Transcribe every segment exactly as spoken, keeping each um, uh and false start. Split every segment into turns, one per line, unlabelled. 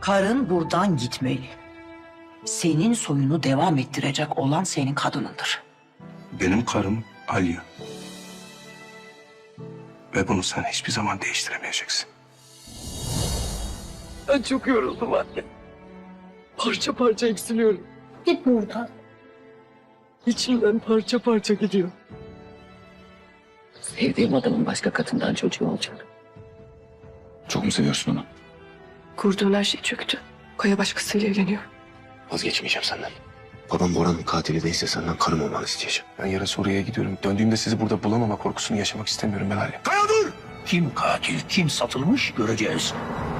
Karın buradan gitmeli. Senin soyunu devam ettirecek olan senin kadınındır.
Benim karım Alya. Ve bunu sen hiçbir zaman değiştiremeyeceksin.
Ben çok yoruldum anne. Parça parça eksiliyorum.
Git buradan.
İçimden parça parça gidiyor. Sevdiğim adamın başka kadından çocuğu olacak.
Çok mu seviyorsun onu?
Kurduğun her şey çöktü. Kaya başkasıyla evleniyor.
Vazgeçmeyeceğim senden. Babam Bora'nın katili değilse senden karım olmanı isteyeceğim.
Ben yarın oraya gidiyorum. Döndüğümde sizi burada bulamama korkusunu yaşamak istemiyorum ben Alya.
Kaya dur! Kim katil, kim satılmış göreceğiz.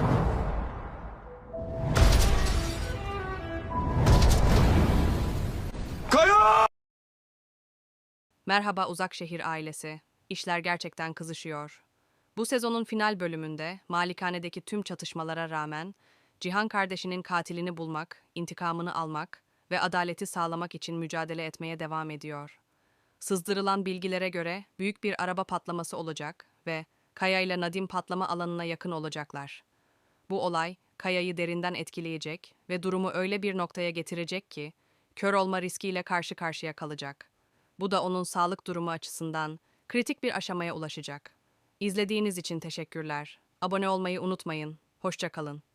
Merhaba Uzakşehir ailesi. İşler gerçekten kızışıyor. Bu sezonun final bölümünde malikanedeki tüm çatışmalara rağmen Cihan kardeşinin katilini bulmak, intikamını almak ve adaleti sağlamak için mücadele etmeye devam ediyor. Sızdırılan bilgilere göre büyük bir araba patlaması olacak ve Kaya ile Nadim patlama alanına yakın olacaklar. Bu olay Kaya'yı derinden etkileyecek ve durumu öyle bir noktaya getirecek ki kör olma riskiyle karşı karşıya kalacak. Bu da onun sağlık durumu açısından kritik bir aşamaya ulaşacak. İzlediğiniz için teşekkürler. Abone olmayı unutmayın. Hoşça kalın.